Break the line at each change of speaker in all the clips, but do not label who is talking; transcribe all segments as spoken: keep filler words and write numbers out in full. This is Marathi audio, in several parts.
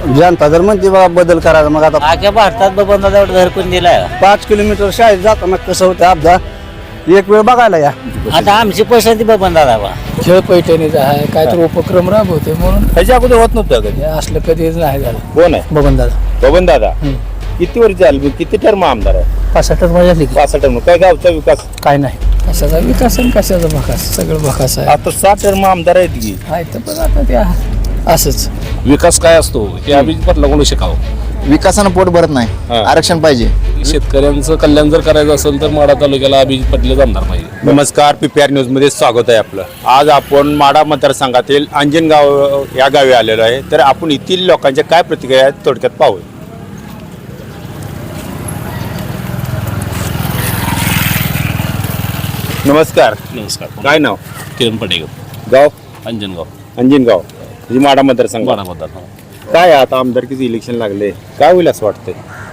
जनता जर म्हणते बाबा बदल करायचा मग आता
आख्या भारतात बबनदादा एवढं घरकुल दिलाय.
पाच किलोमीटर शाळेत जाताना कसं होतं अपघात एक वेळ बघायला या.
आता आमची पसंती बबनदादा बा.
खेळ पैठणीचा आहे काहीतरी उपक्रम राबवते म्हणून
ह्याच्या अगोदर होत नव्हतं कधी.
हे असलं कधीच नाही झालं.
कोण आहे
बबन दादा
बबन दादा? किती वर्ष झाली, किती टर्म आमदार आहे?
पासष्ट मजा झाली की
पाच टर्म. काय गावचा विकास?
काय नाही कशाचा विकास आणि कशाचा भकास सगळं भकास आहे.
आता सात टर्म आमदार आहेत की.
आहे तर पण आता ते असंच
विकास काय असतो हे अभिजित पाटलाकडून शिकावं.
विकासानं पोट भरत नाही,
हा.
आरक्षण पाहिजे.
शेतकऱ्यांचं कल्याण जर करायचं असेल तर माढा तालुक्याला अभिजित पाटीलच आमदार पाहिजे.
नमस्कार, पीपीआर न्यूज मध्ये स्वागत आहे आपलं. आज आपण माढा मतदारसंघातील अंजनगाव या गावी आलेलो आहे. तर आपण येथील लोकांच्या काय प्रतिक्रिया आहेत थोडक्यात पाहू. नमस्कार.
नमस्कार.
काय नाव?
किरण पटेकर,
गाव?
अंजनगाव,
अंजनगाव म्हणजे माढा मतदारसंघ.
माढा मतदार.
काय आहे आता आमदारकीचं इलेक्शन लागले, काय होईल असं वाटतंय?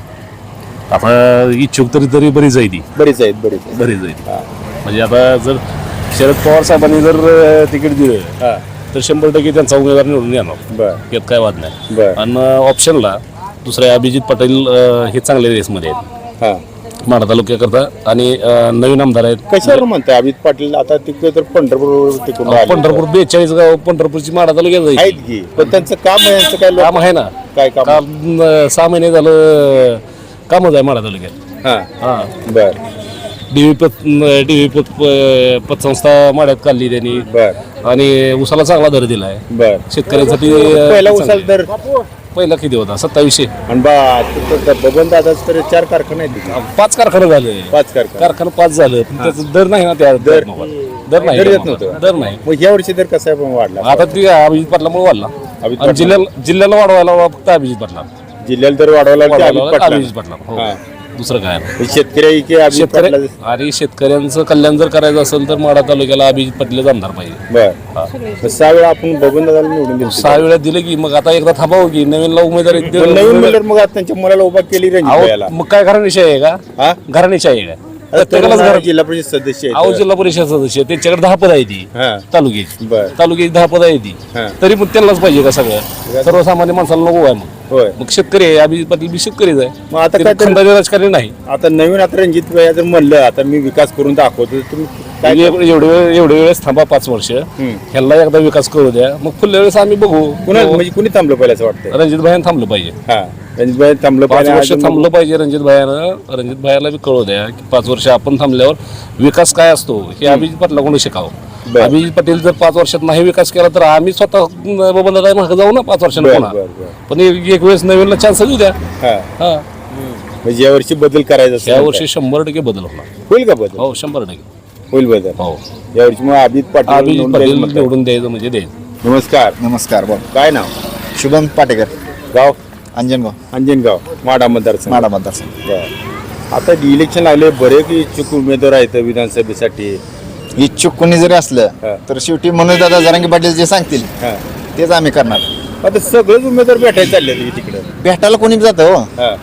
आता इच्छुक तरी तरी बरीच आहे ती
बरीच आहेत बरीच आहेत.
बरीच आहे ती.
हा.
म्हणजे आता जर शरद पवार साहेबांनी जर अ, तिकीट दिलं
हा.
तर शंभर टक्के त्यांचा उमेदवार निवडून येणार,
बर
यात काय वाद नाही.
बर
आणि ऑप्शनला दुसरे अभिजित पाटील अ, हे चांगले रेसमध्ये आहेत
हा.
माढा तालुक्याकरता. आणि अ, नवीन आमदार आहेत.
कशावर म्हणताय अमित पाटील? आता तिकडे तर पंढरपूर तिकडून आले.
पंढरपूर बेचाळीस गाव पंढरपूरची माढा तालुक्यात जायची.
आहेत की, पण त्यांचं काम आहे, यांचं काय लोक-
काम आहे ना.
काय काम?
काम अ, सहा महिने झालं कामच आहे माढा तालुक्यात.
हा.
हा
बर
डीव्ही पत डीव्ही पत प- पतसंस्था माढ्यात काढली त्यांनी.
बर
आणि उसाला चांगला दर दिलाय
बर
शेतकऱ्यांसाठी. अ,
पहिला
चांगलं.
उसाल तर
पहिला किती होता? सत्तावीसशे.
आणि बा तिथं बबन दादाच तर चार कारखाने आहेत तिथे.
पाच कारखाने झाले.
पाच कारखाने.
कारखाना पाच झालं पण त्याचा दर नाही ना. त्या
दर
दर दर नाही
दर येत
ना.
नव्हतं.
दर नाही.
मग या वर्षी तर कसा आहे पण वाढला?
आता ती अभिजित पाटलामुळे वाढला.
अभिजित
आणि
पाटला.
जिल्ह्याला जिल्ह्याला वाढवायला फक्त अभिजित पाटला
जिल्ह्याला तर वाढवला की अमित
वाढवायला
पाटला.
अभिजित पाटला. हो.
हा.
दुसरं काय नाही.
शेतकरी की अमित
शेतकरी
पाटला?
आणि शेतकऱ्यांचं कल्याण जर करायचं असेल तर माढा तालुक्याला अभिजित पाटीलच आमदार पाहिजे.
बर मग सहा वेळा आपण बबन दादाला निवडून दिलं.
सहा वेळा दिलं की मग आता एकदा थांबावं की नवीनला उमेदवारी
पण नवीन मिळालं मग आता त्यांच्या मुलाला उभा केली रणजित भैयाला.
मग काय घराणीशाही आहे का?
हा?
घराणीशाही आहे का?
आता
प्रत्येकालाच
तरुण
घर
जिल्हा परिषद सदस्य आहेत.
अहो जिल्हा परिषद सदस्य त्यांच्याकडे दहा पद आहे ती
हा.
तालुक्याची.
बर
तालुक्याची दहा पद आहे ती.
हा.
तरी पण त्यांनाच पाहिजे का सगळं? सर्वसामान्य माणसाला नको आहे. मग
होय.
मग शेतकरी आहे अभिजित पाटील बी शेतकरीच आहे.
मग आता
ते
काय तर-
खंडाचे राजकारणी नाही.
आता नवीन आता रणजित भैया जर म्हणलं आता मी विकास करून दाखवतो तर तुम्ही काय
एवढे एवढे वेळ- एवढे वेळेस थांबा पाच वर्ष
हम्म.
ह्याला एकदा विकास करू द्या मग पुढल्या वेळेस आम्ही बघू.
कुणा म्हणजे कुणी थांबलं पाहिजे असं वाटतं?
रणजित भाईनं थांबलं पाहिजे.
हा रणजित भाई थांबलं
पाच
पाहिजे.
वर्ष
अजून-
थांबलं पाहिजे रणजित भाईनं. रणजित भाईला बी कळू द्या की पाच वर्ष आपण थांबल्यावर विकास काय असतो हे अभिजित पाटलाकडून शिकावं.
बरं.
अभिजित पाटील जर पाच वर्षात नाही विकास केला तर आम्ही स्वतः बबनदादा मागे जाऊ ना पाच वर्षांनी
बर,
पुन्हा.
बर, बर.
पण एक एक वेळेस नवीनला चान्स देऊ द्या.
हा.
हा
म्हणजे या वर्षी बदल करायचा असेल
या
तर
वर्षी शंभर टक्के बदल होणार.
होईल का बदल?
हो शंभर टक्के
होईल बदल.
हो.
या वर्षी मग अभिजित पाटील
अभिजित
निवडून
पाटील
द्यायचं म्हणताय.
निवडून द्यायचं म्हणजे द्यायचं.
नमस्कार.
नमस्कार. बोल.
काय नाव?
शुभम पाटेकर,
गाव?
अंजनगाव,
अंजनगाव माडा मतदारसंघ.
माढा मतदारसंघ.
बरं. आता इलेक्शन लागले, बरेच इच्छुक उमेदवार आहेत विधानसभेसाठी.
इच्छुक कोणी जरी असलं
हा.
तर शेवटी मनोज दादा जरांगे पाटील जे सांगतील
हा.
तेच आम्ही करणार.
आता सगळेच उमेदवार भेटायला चालले तिकडे.
भेटायला कोणी बी जातं हो.
हा.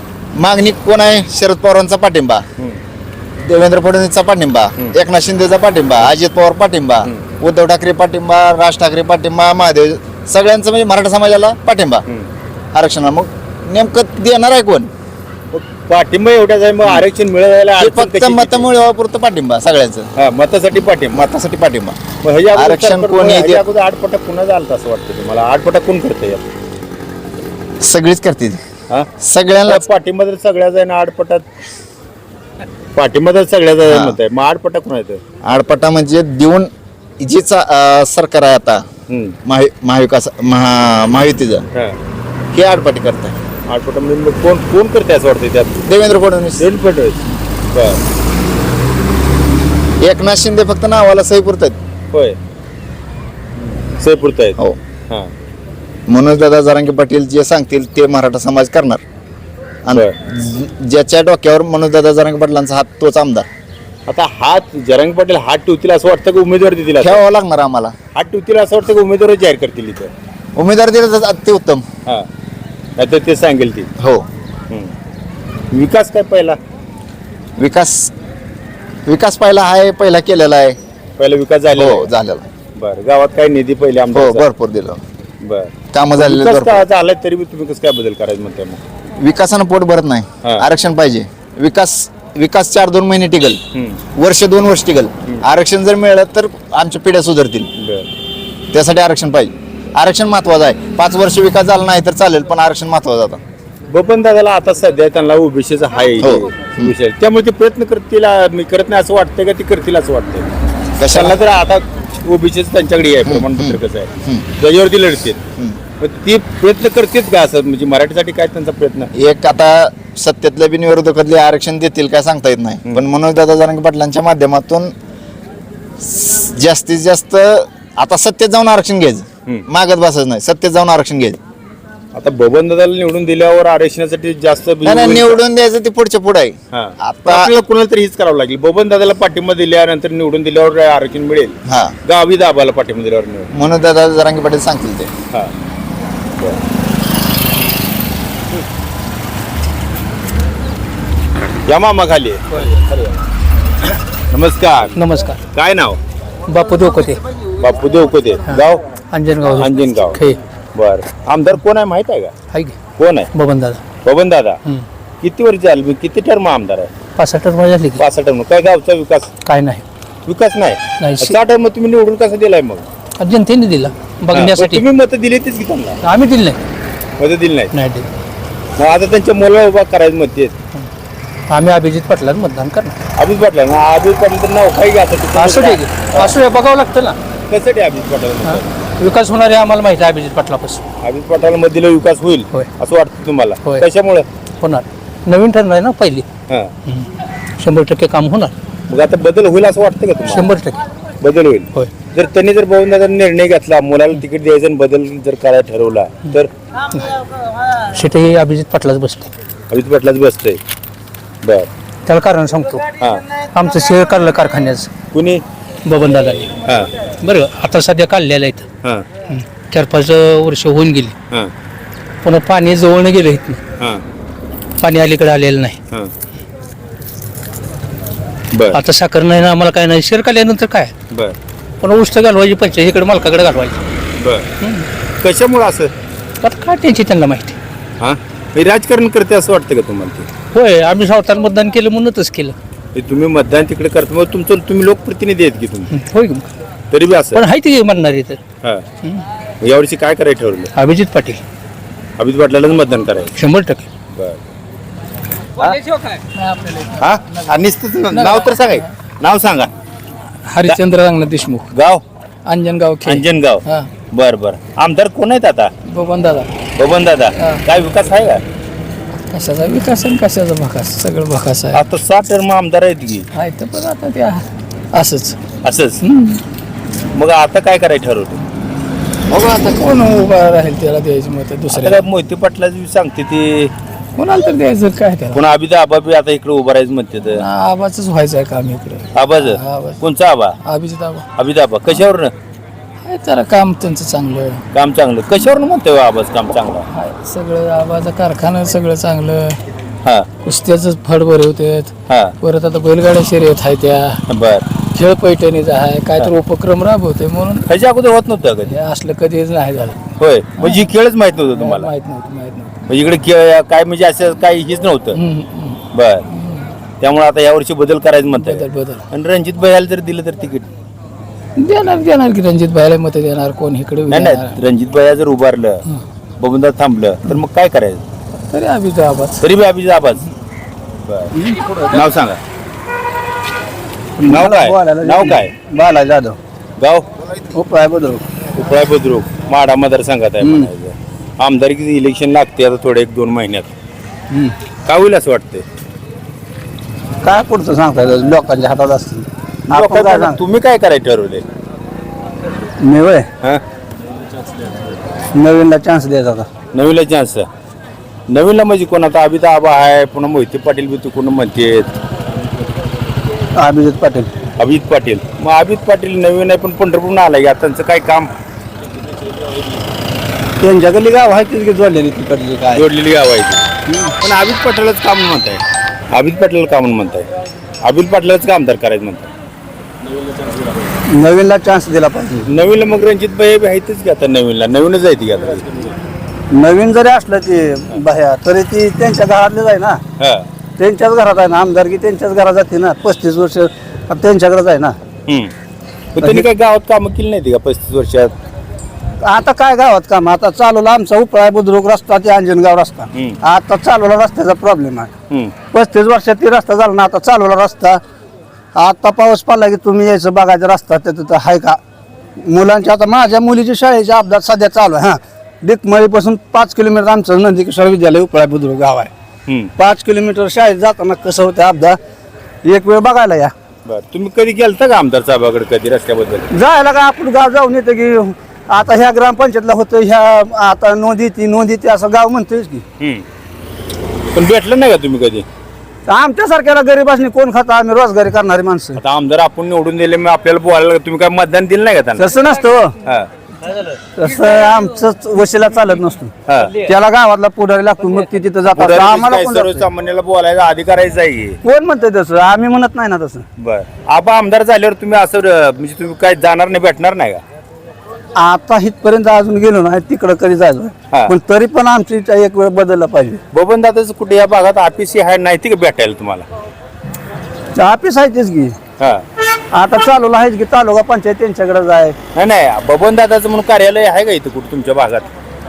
मागणी कोण आहे? शरद पवारांचा पाठिंबा,
हम्म.
देवेंद्र फडणवीसचा पाठिंबा, एकनाथ शिंदेचा पाठिंबा, अजित पवार पाठिंबा, उद्धव ठाकरे पाठिंबा, राज ठाकरे पाठिंबा, महादेव सगळ्यांचं म्हणजे मराठा समाजाला पाठिंबा आरक्षणाला. मग नेमकं देणार आहे कोण?
मग पाठिंबा एवढ्याच आहे, मग आरक्षण मिळवायला
ते
अडचण
फक्त
कशी?
मतामुळे पुरतं पाठिंबा सगळ्यांचं.
हा, मतासाठी पाठिंबा.
मतासाठी पाठिंबा.
मग ह्याच्या अगोदर
आरक्षण
सरकार-
कोणी
ह्याच्या
दे-
अगोदर आठपटा पुन्हा झालं असं वाटतं तुम्हाला? आठपटा कोण करतंय?
सगळीच करते ती.
हा?
सगळ्यांना
पाठिंबा तर सगळ्याच आहे ना आठपटात? पाठिंबा तर सगळ्याच आहे मत आहे, मग आठपटा कोण आहे?
आडपटा म्हणजे देऊन जी चा- अं, सरकार आहे आता
हम्म.
महावि- महाविकास महा महायुतीचं
हा.
हे आडपाटी करत आहे.
आठपटा म्हणजे मग कोण कोण करते असं वाटतं त्यात?
देवेंद्र फडणवीस,
देवेंद्र फडणवीस. बरं.
एकनाथ शिंदे फक्त नावाला सही पुरतात.
होय. सयपुरत आहेत.
हो.
हा.
मनोज दादा जरांगे पाटील जे सांगतील ते मराठा समाज करणार. आणि
बरं.
ज- ज्याच्या डोक्यावर मनोज दादा जरांगे पाटलांचा हात तोच आमदार.
आता हात जरंग पाटील हात ठेवतील असं वाटतं का उमेदवार देतील? असं?
ठेवावं लागणार आम्हाला.
हात ठेवतील असं वाटतं का उमेदवार जाहीर करतील इथं?
उमेदवार दिले तर ते उत्तम.
हा. नाहीतर ते सांगेल ती.
हो.
हम्म. विकास काय पहिला?
विकास विकास पहिला आहे, पहिला केलेला आहे.
पहिला विकास झाला.
हो झालेला आहे.
बरं. गावात काय निधी पहिले
हो
आमदार?
भरपूर दिलं.
बरं.
कामं झालेली
विकास
भरपूर.
का झालाय तरी बी तुम्ही कसं काय बदल करायचं म्हणताय मग?
विकासानं पोट भरत नाही.
हा.
आरक्षण पाहिजे. विकास विकास चार दोन महिने टिकल,
हम्म.
वर्ष दोन वर्ष टिकल. आरक्षण जर मिळालं तर आमच्या पिढ्या सुधारतील.
बरं.
त्यासाठी आरक्षण पाहिजे. आरक्षण महत्वाचं आहे. पाच वर्ष विकास झाला नाही तर चालेल, पण आरक्षण महत्वाचं आता.
बबन दादाला आता सध्या त्यांना ओबीसीचा हाय
हो.
विषय, त्यामुळे ते प्रयत्न करतील आ, मी करत नाही असं वाटतंय का ते करतील असं वाटतंय?
कशाला?
कशाला तर आता ओबीसीच त्यांच्याकडे आहे, प्रमाणपत्र कसं आहे त्याच्यावरती लढतील. मग ती प्रयत्न करतील का असं, म्हणजे मराठीसाठी काय त्यांचा प्रयत्न?
एक आता सत्तेतल्या बिनविरोधकातले आरक्षण देतील काय सांगता येत नाही, पण मनोज दादा जरांगे पाटलांच्या माध्यमातून जास्तीत जास्त आता सत्तेत जाऊन आरक्षण घ्यायचं, मागत बसायचं नाही, सत्तेत जाऊन आरक्षण घ्यायचं.
आता बबन दादाला निवडून दिल्यावर आरक्षणासाठी जास्त
नाही, नाही, निवडून द्यायचं ते पुढच्या पुढे आहे.
हा.
आता
आपल्याला कुणाला तरी हीच करावं लागेल. बबन दादाला पाठिंबा दिल्यानंतर निवडून दिल्यावर आरक्षण मिळेल,
हा
गावी दाबाला पाठिंबा दिल्यावर मिळेल.
मनोज दादा जरांगे पाटील सांगतील ते.
हा. या मामा खाली नमस्कार.
नमस्कार.
काय नाव?
बापू दोकोते,
बापू देवकोते, गाव
अंजनगाव,
अंजनगाव.
खे
बर. आमदार कोण आहे माहित आहे का?
हाय की
कोण आहे?
बबन दादा.
बबन दादा.
हम्म.
किती वर्ष झाली, किती टर्म आमदार आहे?
पाच सहा टर्म झाली की
पाच टर्म. काय गावचा विकास
काय नाही.
विकास नाही?
नाही.
सहा टर्म तुम्ही निवडून कसं दिलाय मग?
जनतेने दिला
हा,
बघण्यासाठी.
पण तुम्ही मत दिली तीच की त्यांना?
आम्ही दिलं नाही.
मत दिली नाही.
नाही दिलं.
मग आता त्यांच्या मुलाला उभा करायचं मत देत
आम्ही अभिजित पाटलांना मतदान करणार.
अभिज पाटला ना, अभिज पाटील तर नाव काही घ्या
असू दे की. असू दे, बघावं लागतं ना.
कशासाठी अभिज पाटील?
हा. विकास होणार आहे आम्हाला माहिती आहे अभिजित पाटलापासून.
अभिज पाटील मध्ये दिलं विकास होईल
होय.
असं वाटतं तुम्हाला?
होय.
कशामुळे?
होणार. नवीन ठरणार आहे ना पहिली.
हा.
शंभर टक्के काम होणार.
मग आता बदल होईल असं वाटतं का तुम्हाला?
शंभर टक्के
बदल होईल.
होय.
जर त्यांनी जर बघून दादा निर्णय घेतला, मुलाला तिकीट द्यायचं आणि बदल जर करायला ठरवला तर
शेटे हे अभिजित पाटलाच बसते.
अभिज पाटलाच बसतंय. बर.
त्याला कारण सांगतो.
हा.
आमचं शेअर काढलं कारखान्याचं
कुणी?
बबन दादाने.
हा.
बरं आता सध्या काढलेलं आहे इथं.
हा.
चार पाच वर्ष होऊन गेली.
हा.
पुन्हा पाणी जवळनं गेलं इथनं.
हा.
पाणी अलीकडे आलेलं नाही.
हा. बर.
आता साखर नाही ना आम्हाला काय नाही. शेअर काढल्यानंतर काय
बर.
पुन्हा उष्ट घालवायची पंचायत इकडे मालकाकडे घालवायची.
बर. कशामुळे असं?
आता काय त्यांची त्यांना माहिती.
हा. हे राजकारण करते असं वाटतं का तुम्हाला? ते
होय आम्ही सावताला मतदान केलं म्हणूनच केलं.
हे तुम्ही मतदान तिकडे करता, मग तुमचं तुम्ही लोकप्रतिनिधी आहेत की तुम्ही?
होय की.
तरी बी असं?
पण आहे ती म्हणणार इथं
हा. मग यावर्षी काय करायचं ठरवलं?
अभिजित पाटील
अभिज पाटलालाच मतदान करायचं.
शंभर टक्के.
बर. हा. आणि नुसतं नाव तर सांगाय, नाव सांगा.
हरिश्चंद्र रंगनाथ देशमुख,
गाव?
अंजनगाव, खे.
अंजनगाव.
हा.
बर बर. आमदार कोण आहेत आता?
बबन दादा.
बबन दादा.
हा.
काय विकास आहे का?
कशाचा विकास आणि कशाचा भकास, सगळं भकास आहे.
आता सात टर्म आमदार आहेत की
आहे तर पण आता ते असंच.
असंच. मग आता काय करायचं ठरवतो?
बघू आता कोण उभा राहील त्याला द्यायची मत
आता
दुसऱ्या
काय मोहिते पाटलाची सांगते ते,
कोणाला तर द्यायचं काय त्याला.
पुन्हा अभित आबा बी आता इकडे उभं राहायचं म्हणते तर.
आबाच व्हायचं आहे काम इकडे.
आबाज?
आबाज.
कोणचा आबा?
अभिजित आबा
अभित आबा. कशावर
आहे जरा काम त्यांचं चांगलं
काम चांगलं? कशावर म्हणतोय आबाज काम चांगलं?
आहे. सगळं आबाचं कारखाना सगळं चांगलं.
हा.
कुस्त्याच फड भरवतात.
हा.
परत आता बैलगाड्या शर्यत आहे त्या.
बर.
खेळ पैठणीचा आहे काय तर उपक्रम राबवते म्हणून
ह्याच्या अगोदर होत नव्हतं कधी?
हे असलं कधीच नाही झालं.
होय. म्हणजे ही खेळच माहित नव्हतं तुम्हाला?
माहित नव्हतं माहित नव्हतं.
म्हणजे इकडे खेळ काय म्हणजे असं काही हेच नव्हतं?
हम्म, हम्म.
बर. त्यामुळे आता यावर्षी बदल करायचं म्हणताय.
बदल बदल
आणि रणजित भैयाला जर दिलं तर तिकीट?
देणार देणार की रणजित भाईला मत देणार कोण इकडे
नाही नाही, रणजित भैया जर उभारलं, बबनदार थांबलं तर मग काय करायचं?
तरी अभिजित आबाच.
तरी बी अभिजित आबाज. बर. नाव सांगा. नाव काय? नाव काय?
बाला जाधव,
गाव?
उपाय बुद्रुक.
उपळा बुद्रुक, माडा मतदारसंघात आहे म्हणायचं. आमदारकीचं इलेक्शन लागते आता थोडे एक दोन महिन्यात. काय होईल असं वाटतंय?
काय पुढचं सांगता येतं, लोकांच्या हातात असतील. आपण काय
लोकांना-
सांग-
तुम्ही काय करायचं ठरवले?
मी वय
हा.
नवीनला चान्स द्यायचा होता.
नवीनला चान्स? नवीनला म्हणजे कोण? आता अभिता आबा आहे, पुन्हा मोहिते पाटील बी तू कोण म्हणते?
अभिजित पाटील.
अभिजित पाटील. मग अभिजित पाटील नवीन आहे पण पंढरपूर आलाय का? त्यांचं काय काम?
त्यांच्याकडली गाव आहे तिथे जोडलेली तिकडली काय
जोडलेली गाव आहे ती. पण अभिजित पाटीलच काम म्हणताय. अभिजित पाटील काम म्हणताय. अभिजित पाटीलच का आमदार करायचं म्हणताय?
नवीनला चान्स दिला पाहिजे.
नवीनला मग रणजित भाई आहेतच की आता. नवीनला नवीनच आहे ती आता.
नवीन जरी असलं ते बाह्या तरी ती त्यांच्या घरातलेच आहे ना,
हा
त्यांच्याच घरात आहे ना, आमदारकी त्यांच्याच घरात जाते ना, पस्तीस वर्ष त्यांच्याकडेच आहे ना.
हम्म. पण त्यांनी काही गावात कामं केली नाही का पस्तीस वर्षात?
आता काय गावात काम, आता चालवला आमचा उपळा बुद्रुक रस्ता ते अंजनगाव रस्ता,
हम्म.
आता चालवला रस्त्याचा प्रॉब्लेम आहे.
हम्म.
पस्तीस वर्षात ती रस्ता झाला ना, आता चालवला रस्ता. आता पाऊस पडला की तुम्ही यायचं बघायचा रस्ता तर तिथं आहे का. मुलांच्या आता माझ्या मुलीच्या शाळेचे अपघात सध्या चालू आहे. हां, डिकमळीपासून पाच किलोमीटर आमचं नंदकिशोर विद्यालय उपळा बुद्रुक गाव आहे.
हम्म.
पाच किलोमीटर शाळेत जाताना कसं होतं अपघात, एक वेळ बघायला या.
बर, तुम्ही कधी गेलता का आमदार साहेबाकडे कधी रस्त्याबद्दल?
जायला का आपण गाव जाऊन येतं की आता ह्या ग्रामपंचायतला होतं, ह्या आता नोंदी ती नोंदी ती असं गाव म्हणतोयच की.
हम्म. पण भेटलं नाही का तुम्ही कधी?
आमच्यासारख्याला गरीबासनी कोण खाता, आम्ही रोजगारी करणारी माणसं.
आता आमदार आपण निवडून दिले मग आपल्याला बोलायला तुम्ही काय मतदान दिलं नाही का त्यांना?
तसं नसतं हो.
हा.
तसं आमचं वशिला चालत नसतो.
हा.
त्याला गावातला पुढारी लागतो, मग ती तिथं जातात.
पुढारी
आम्हाला
काय
कोण जातंय?
सर्वसामान्याला बोलायचा अधिकारायचा आहे.
कोण म्हणतंय तसं, आम्ही म्हणत नाही ना तसं.
बर, आपण आमदार झाल्यावर तुम्ही असं अं, म्हणजे तुम्ही काय जाणार नाही, भेटणार नाही का?
आता इथपर्यंत अजून गेलो नाही, तिकडं कधी
हा.
जायचं, पण तरी पण आमची इच्छा एक वेळ बदलला पाहिजे.
बबन दादाच कुठे या भागात ऑफिस आहे नाही ती का भेटायला तुम्हाला?
ऑफिस आहेच की,
हा.
आता चालवलं आहेच की, तालुका पंचायत त्यांच्याकडे जाय
नाही नाही, बबन दादाचं म्हणून कार्यालय आहे का इथं कुठं तुमच्या भागात?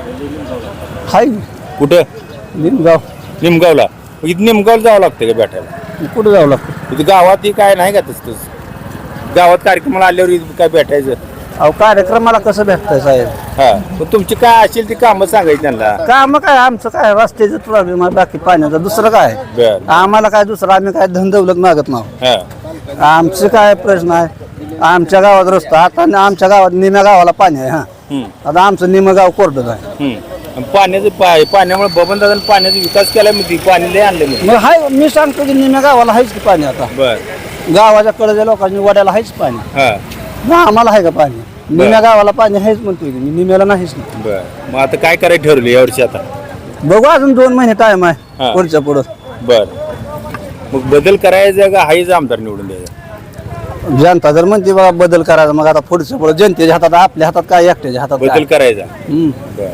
हाय
कुठं?
निमगाव.
निमगावला? मग इथं निमगावला जावं लागतं का भेटायला?
कुठं जावं लागतं?
इथं गावात ही काय नाही का तसं तसं? गावात कार्यक्रमाला आल्यावर इथं काय भेटायचं?
अहो कार्यक्रमाला कसं भेटतंय साहेब?
हा, मग तुमची काय असेल ती कामं सांगायची त्यांना.
काम काय आमचं काय रस्त्याचं प्रॉब्लेम आहे, बाकी पाण्याचा दुसरं काय.
बर.
आम्हाला काय दुसरं, आम्ही काय धन दौलत मागत नाही.
हा.
आमचं काय प्रश्न आहे, आमच्या गावात रस्ता, आता न- आमच्या गावात निम्या गावाला पाणी आहे. हा,
हम्म.
आता आमचं निम गाव कोरडत आहे.
हम्म. आणि पाण्याचं पा- पाण्यामुळे बबन दादाने पाण्याचा विकास केला मी पाणी लय आणलं मी.
मग हाय, मी सांगतो की निम्या गावाला आहेच की पाणी. आता
बर.
गावाच्या कडच्या लोकांनी वड्याला आहेच पाणी,
हा.
मग आम्हाला आहे का पाणी? निम्या गावाला पाणी आहेच म्हणतोय की मी, निम्याला नाहीच ना.
बर, मग आता काय करायचं ठरवलं यावर्षी आता?
बघू, अजून दोन महिने टाइम
हा.
आहे पुढच्या पुढं.
बर, मग बदल करायचा का हाच आमदार निवडून द्यायचा?
जनता जर म्हणते बाबा बदल करायचा, मग आता पुढच्या पुढं जनतेच्या हातात, आपल्या हातात काय, एकट्याच्या हातात
बदल
काय?
करायचा.
हम्म.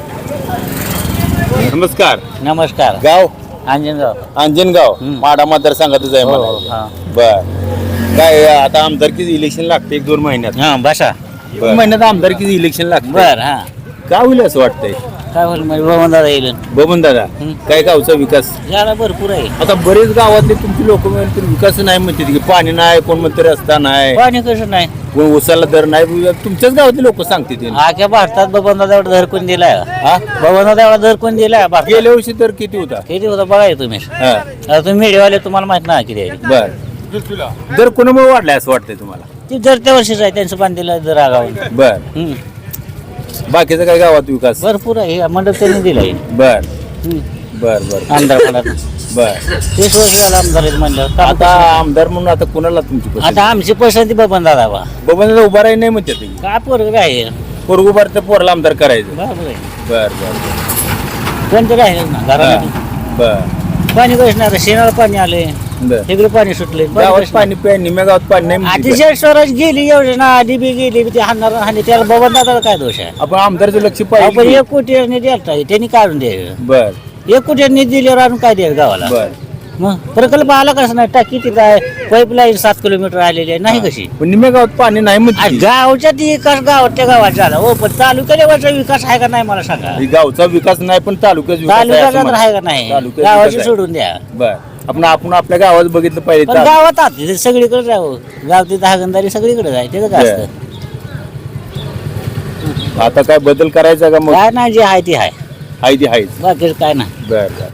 बर. नमस्कार.
नमस्कार.
गाव?
अंजनगाव.
अंजनगाव. माडा मतदारसंघातच आहे
हो,
मला.
हा.
बर, काय आता आमदारकीच इलेक्शन लागते एक दोन महिन्यात.
हा बसा.
दोन महिन्यात आमदारकीच इलेक्शन लागते.
बर. हा,
काय होईल असं वाटतंय?
काय होईल म्हणजे बबन दादा येईल.
बबन दादा
हम्म.
काय गावचा विकास?
याला भरपूर आहे.
आता बरेच गावातले तुमची लोक म्हणतात विकास नाही म्हणतात की पाणी नाही, कोण म्हणते रस्ता नाही,
पाणी कसं नाही,
कोण उसाला दर नाही. तुमच्याच गावातले लोक सांगते ते.
आख्या भारतात बबन दादा एवढा दर कोण दिलाय का?
हा?
बबन दादा एवढा दर कोण दिलाय भारतात?
गेल्या वर्षी तर किती होता?
किती होता बघा हे तुम्ही.
हा.
आता तुम्ही मीडियावाले, तुम्हाला माहित नाही किती आहे
बर, दर कोणामुळे वाढलाय असं वाटतंय तुम्हाला?
ती दर त्या वर्षीच आहे, त्यांचं पाणी दिलं दर आगावून.
बर,
हम्म.
बाकीचा काय गावात विकास?
भरपूर आहे, हे मंडप त्यांनी दिलाय.
बर
हम्म.
बर बर
आमदार फंडात
बर.
तीस वर्ष झालं आमदार आहेत म्हणल्यावर काम
आता
कसं?
आमदार म्हणून आता कोणाला तुमची पसंती?
आता आमची पसंती बबन दादा बा.
बबन दादा उभा राही नाही म्हणतात की.
काय पोरग काय
पोरग उभार तर पोराला आमदार करायचं.
बरोबर आहे,
बर बर
कोणतं काय ना
हा.
घरामध्ये
बर
पाणी कसणार, शेणाला पाणी आले,
बर.
सगळं पाणी सुटले.
गावात पाणी प्या, निम्या गावात पाणी नाही म्हणते.
अतिशय स्वराज गेली योजना, आधी बी गेली ते हाणणार हानी, त्याला बबन दादाला काय दोष आहे?
आपण आमदारचं लक्ष
आपण
पाहिजे.
एक कोटी द्यायला त्यांनी काढून द्यायचं.
बर
एक कोटी निधी दिल्यावर आणून काय द्यायचं गावाला?
बर.
मग प्रकल्प आला कसं नाही, टाकी तिथं आहे, पाईपलाईन सात किलोमीटर आलेली आहे, नाही कशी?
पण निम्या गावात पाणी नाही
आ,
म्हणते.
गावच्या ती विकास गावातल्या गावात झाला हो, पण तालुक्याच्या विकास आहे का नाही मला सांगा.
ही गावचा विकास नाही पण तालुक्याचा विकास आहे असं
तालुक्याचा तर
म्हणा.
आहे का नाही?
तालुक्याचा
गावाची
विकास आहे.
सोडून द्या.
बर, आपण आपण आपल्या गावात बघितलं पाहिजे.
पण गावात आत तिथे सगळीकडे जावं, गाव तिथं हागंदारी सगळीकडे जाय, त्याचं काय असतं?
आता काय बदल करायचा का मग?
काय नाही, जे आहे ते आहे,
हाय ती हायच.
बाकी काय नाही.
बर बर.